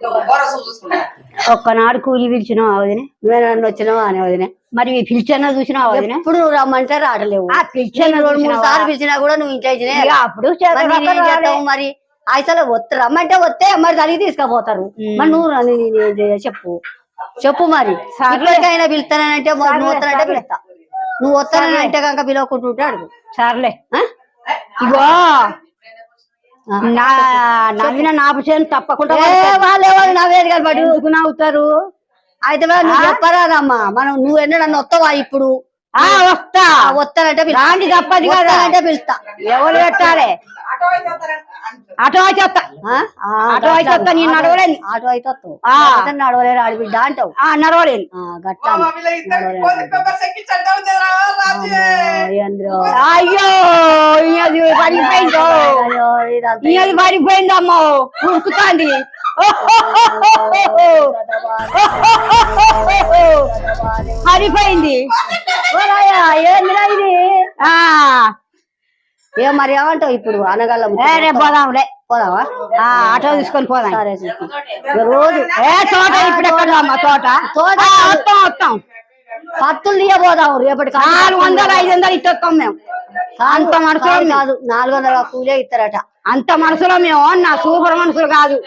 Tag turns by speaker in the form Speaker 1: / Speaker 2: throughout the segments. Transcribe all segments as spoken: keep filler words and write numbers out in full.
Speaker 1: ఒక్కనాడు కూలి పిలిచినావు వదిన,
Speaker 2: నువ్వే నన్ను వచ్చినావా అని వదిన.
Speaker 1: మరి పిలిచానా చూసినావు వదిన?
Speaker 2: ఇప్పుడు నువ్వు రమ్మంటే రావట్లేవు.
Speaker 1: ఆ పిలిచాను
Speaker 2: రెండు మూడు సార్లు పిలిచినా కూడా నువ్వు ఇంట్లో ఇచ్చినా
Speaker 1: అప్పుడు
Speaker 2: చేస్తావు. మరి అసలు వస్తే రమ్మంటే వస్తే మరి దానికి తీసుకుపోతారు. మరి నువ్వు నేనేం చేయ చెప్పు చెప్పు. మరి ఇప్పటికైనా పిలుస్తానంటే నువ్వు వస్తానంటే పిలుస్తా, నువ్వు వస్తానంటే కనుక పిలవకుంటుంటే అడుగు.
Speaker 1: సర్లే ఇగో నా నవ్విన నాపచేను తప్పకుండా
Speaker 2: వాళ్ళు ఎవరు నవ్వేది కదా మరి
Speaker 1: ఎందుకు నవ్వుతారు?
Speaker 2: అయితే నువ్వు చెప్పరాదమ్మా. మనం నువ్వు ఎన్నడన్నా వస్తావా? ఇప్పుడు
Speaker 1: వస్తా
Speaker 2: వస్తానంటే
Speaker 1: రాండి తప్పది కదా
Speaker 2: అంటే పిలుస్తా.
Speaker 1: ఎవరు పెట్టాలి? ఆటో అయితే వస్తా, ఆటో అయితే వస్తా. నేను నడవలేను.
Speaker 2: ఆటో అయితే వస్తావు, నడవలేరు ఆడబిడ్డ అంటావు.
Speaker 1: నడవలేను.
Speaker 2: గట్టా
Speaker 1: అయ్యో ఇది పడిపోయిందో, ఇది పడిపోయిందమ్మో, ఉరుకుతాంది. పడిపోయింది.
Speaker 2: ఏందిరా ఇది? ఏ మరి ఏమంటావు ఇప్పుడు? అనగలం
Speaker 1: పోదాంలే,
Speaker 2: పోదావా?
Speaker 1: ఆటో తీసుకొని పోదాం.
Speaker 2: సరే రోజు
Speaker 1: ఏ తోట ఇప్పుడు ఎక్కడ అమ్మ? తోట తోట వస్తాం వస్తాం.
Speaker 2: పత్తులు తీయ పోదాం. రేపటి
Speaker 1: నాలుగు వందలు ఐదు వందలు ఇస్తాం మేము. అంత మనసులో
Speaker 2: కాదు, నాలుగు వందల కూలే ఇస్తారట.
Speaker 1: అంత మనసులో మేము నా సూపర్ మనుషులు కాదు.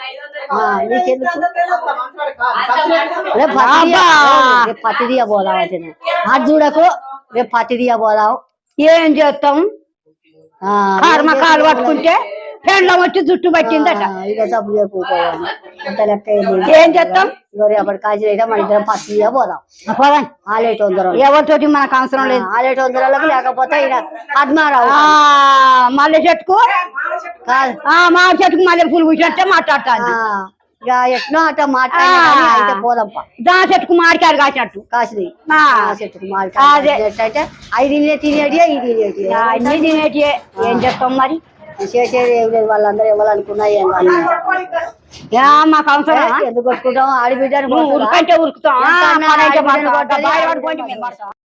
Speaker 2: రేపు పత్తి తీయ పోదాం. అది చూడకు, రేపు పత్తి తీయ పోదాం.
Speaker 1: ఏం చేస్తాం? కర్మ కాలు పట్టుకుంటే పెండ్లం వచ్చి జుట్టు పట్టిందట.
Speaker 2: ఇక సబ్బు చెప్పుకోవాలి. అంత లెక్క
Speaker 1: ఏం చేస్తాం?
Speaker 2: రేపటి కాజీ అయితే మన ఇద్దరం పత్తి తీయ పోదాం.
Speaker 1: పోదాం.
Speaker 2: ఆలేటి వందరం
Speaker 1: ఎవరితోటి మనకు అవసరం లేదు.
Speaker 2: ఆలేటి వందరాలకు లేకపోతే ఇక పద్మారావు
Speaker 1: మల్లె చెట్టుకు మామిడి చెట్టుకు మల్లె పూలు పూసినట్టే మాట్లాడతాను.
Speaker 2: ఇక ఎట్నో అట్లా మాట్లాడి పోదాంపా.
Speaker 1: దా చెట్టుకు మాడికాయలు కాసినట్టు
Speaker 2: కాసినాయి. చెట్టుకు మాడికాయ ఐదు తినేటియే ఇది తినేటి
Speaker 1: అన్ని తినేటియే. ఏం చెప్తాం మరి?
Speaker 2: చేసేది ఏం లేదు. వాళ్ళందరూ ఇవ్వాలనుకున్నా ఏం
Speaker 1: మాకు అవసరం.
Speaker 2: ఎందుకు కొట్టుకుంటాం? ఆడిబిడ్డను
Speaker 1: ఉరుకంటే ఉరుకుతాం.